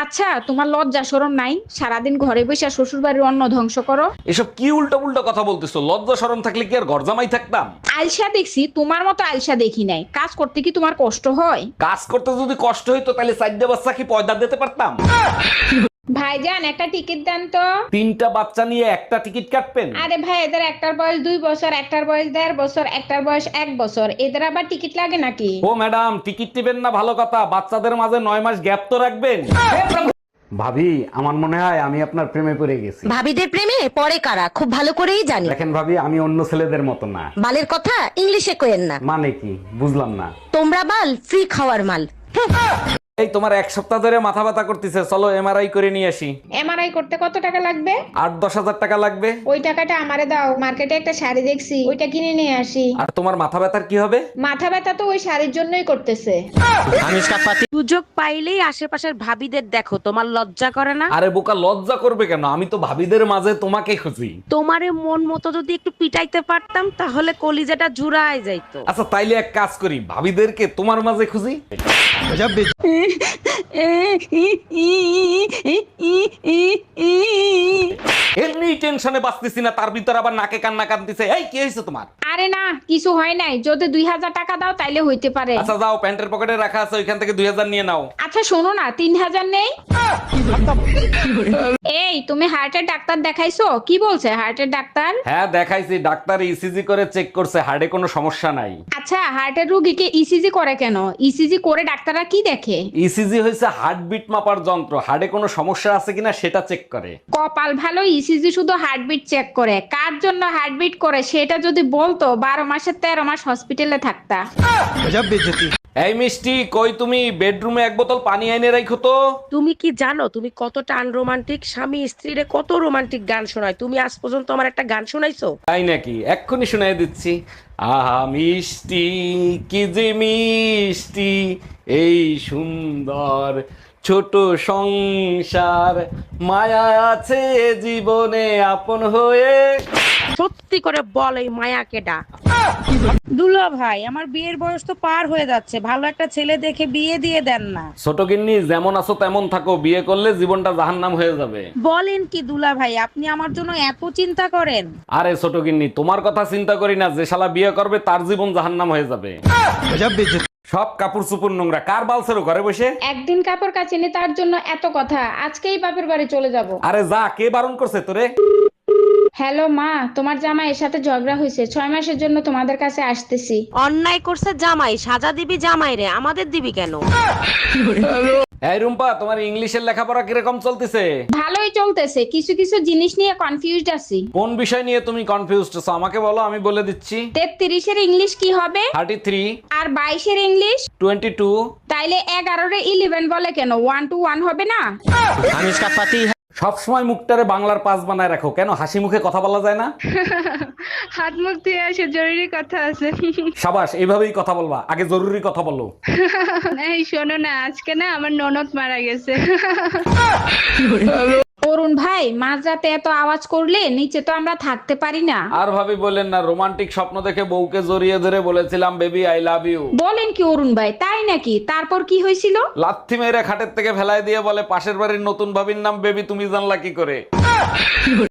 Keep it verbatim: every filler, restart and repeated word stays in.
আচ্ছা, তোমার লজ্জা শরম নাই? সারাদিন ঘরে বসে শ্বশুর বাড়ির অন্ন ধ্বংস করো। এসব কি উল্টো উল্টো কথা বলতেছো? লজ্জা শরম থাকলে কি আর ঘর জামাই থাকতাম? আলসা দেখছি, তোমার মতো আলসা দেখি নাই। কাজ করতে কি তোমার কষ্ট হয়? কাজ করতে যদি কষ্ট হইতো তাহলে চারটা বাচ্চা কি পয়দা দিতে পারতাম? ভাইজান, একটা টিকিট দেন তো। তিনটা বাচ্চা নিয়ে একটা টিকিট কাটবেন? আরে ভাই, এদের একটার বয়স দুই বছর, একটার বয়স দেড় বছর, একটার বয়স এক বছর। এদের আবার টিকিট লাগে নাকি? ও ম্যাডাম, টিকিট টিবেন না ভালো কথা, বাচ্চাদের মাঝে নয় মাস গ্যাপ তো রাখবেন। ভাবি, আমার মনে হয় আমি আপনার প্রেমে পড়ে গেছি। ভাবিদের প্রেমে পড়ে কারা খুব ভালো করেই জানি। দেখেন ভাবি, আমি অন্য ছেলেদের মতো না। বালের কথা ইংলিশে কোয়েন না। মানে কি বুঝলাম না। তোমরা বাল ফ্রি খাওয়ার মাল। এই তোমার এক সপ্তাহ ধরে মাথা ব্যথা করতেছে, চলো এমআরআই করে নিয়ে আসি। এমআরআই করতে কত টাকা লাগবে? আট দশ হাজার টাকা লাগবে। ওই টাকাটা আমারে দাও, মার্কেটে একটা শাড়ি দেখছি, ওইটা কিনে নিয়ে আসি। আর তোমার মাথা ব্যথার কি হবে? মাথা ব্যথা তো ওই শাড়ির জন্যই করতেছে। সুযোগ পাইলেই আশেপাশের ভাবিদের দেখো, তোমার লজ্জা করে না? আরে বোকা, লজ্জা করবে কেন? আমি তো ভাবিদের মাঝে তোমাকে খুঁজি। তোমারে মন মতো যদি একটু পিটাইতে পারতাম তাহলে কলিজাটা জুড়ায় যাইতো। আচ্ছা তাইলে এক কাজ করি, ভাবিদেরকে তোমার মাঝে খুঁজি। এমনি টেনশনে বাঁচতেছি না, তার ভিতর আবার নাকে কান্না কাঁদতেছে। এই কি হয়েছে তোমার? আরে না, কিছু হয় নাই। যদি দুই হাজার টাকা দাও তাইলে হইতে পারে। আচ্ছা যাও, প্যান্টের পকেটে রাখা আছে, ওইখান থেকে দুই হাজার নিয়ে নাও। আচ্ছা শোনো না, তিন হাজার নেই? এই, তুমি হার্টের ডাক্তার দেখাইছো? কি বলছে হার্টের ডাক্তার? হ্যাঁ দেখাইছি, ডাক্তার ইসিজি করে চেক করছে, হার্টে কোনো সমস্যা নাই। আচ্ছা, হার্টের রোগীকে ইসিজি করে কেন? ইসিজি করে ডাক্তাররা কি দেখে? ইসিজি হয়েছে হার্টবিট মাপার যন্ত্র, হার্টে কোনো সমস্যা আছে কিনা সেটা চেক করে। কপাল ভালো, ইসিজি শুধু হার্টবিট চেক করে। কার জন্য হার্টবিট করে সেটা যদি বলতো, বারো মাসের তেরো মাস হসপিটালে থাকতা। এই মিষ্টি, কই তুমি? বেডরুমে এক বোতল পানি এনে রাখো তো। তুমি কি জানো তুমি কতটা আনরোমান্টিক? স্বামী স্ত্রীরে কত রোমান্টিক গান শোনায়, তুমি আজ পর্যন্ত আমার একটা গান শোনাইছো? তাই নাকি? এক্ষুনি শুনাই দিচ্ছি। আহা মিষ্টি, কি যে মিষ্টি এই সুন্দর ছোট সংসার, মায়া আছে জীবনে আপন হয়ে। সত্যি করে বল, এই মায়া কেডা? দুলা ভাই, আমার বিয়ের বয়স তো পার হয়ে যাচ্ছে, ভালো একটা ছেলে দেখে বিয়ে দিয়ে দেন না। ছোট গিন্নি, যেমন আছো তেমন থাকো, বিয়ে করলে জীবনটা জাহান্নাম হয়ে যাবে। বলেন কি দুলা ভাই, আপনি আমার জন্য এত চিন্তা করেন? আরে ছোট গিন্নি, তোমার কথা চিন্তা করি না, যে শালা বিয়ে করবে তার জীবন জাহান্নাম হয়ে যাবে। সব কাপড় চুপুর নোংরা, কার বালছেরো ঘরে বসে? একদিন কাপড় কাচিনি তার জন্য এত কথা। আজকেই বাপের বাড়ি চলে যাব। আরে যা, কে বারণ করছে তোরে? হ্যালো মা, তোমার জামাইয়ের সাথে ঝগড়া হয়েছে, ছয় মাসের জন্য তোমাদের কাছে আসতেছি। অন্যায় করছে জামাই, সাজা দিবি জামাই রে, আমাদের দিবি কেন? এই রুম্পা, তোমার ইংলিশের লেখাপড়া কিরকম চলতেছে? ভালোই চলতেছে, কিছু কিছু জিনিস নিয়ে কনফিউজড আছি। কোন বিষয় নিয়ে তুমি কনফিউজড আছো আমাকে বলো, আমি বলে দিচ্ছি। তেত্রিশের ইংলিশ কি হবে? Thirty three. আর বাইশের ইংলিশ? Twenty two. তাইলে এগারোরে ইলেভেন বলে কেন? ওয়ান টু ওয়ান হবে না? সবসময় মুখটারে বাংলার পাস বানায় রাখো কেন? হাসি মুখে কথা বলা যায় না? হাত মুখ ধুয়ে আসে, জরুরি কথা আছে। সাবাস, এইভাবেই কথা বলবা, আগে জরুরি কথা বলো। এই শোনো না, আজকে না আমার ননদ মারা গেছে। অরুণ ভাই, মাঝরাতে এত আওয়াজ করলে নিচে তো আমরা থাকতে পারি না। আর ভাবি বলেন না, রোমান্টিক স্বপ্ন দেখে বউকে জড়িয়ে ধরে বলেছিলাম বেবি আই লাভ ইউ। বলেন কি অরুণ ভাই, তাই নাকি? তারপর কি হয়েছিল? লাথি মেরে খাটের থেকে ফেলায় দিয়ে বলে পাশের বাড়ির নতুন ভাবির নাম বেবি, তুমি জানলা কি করে?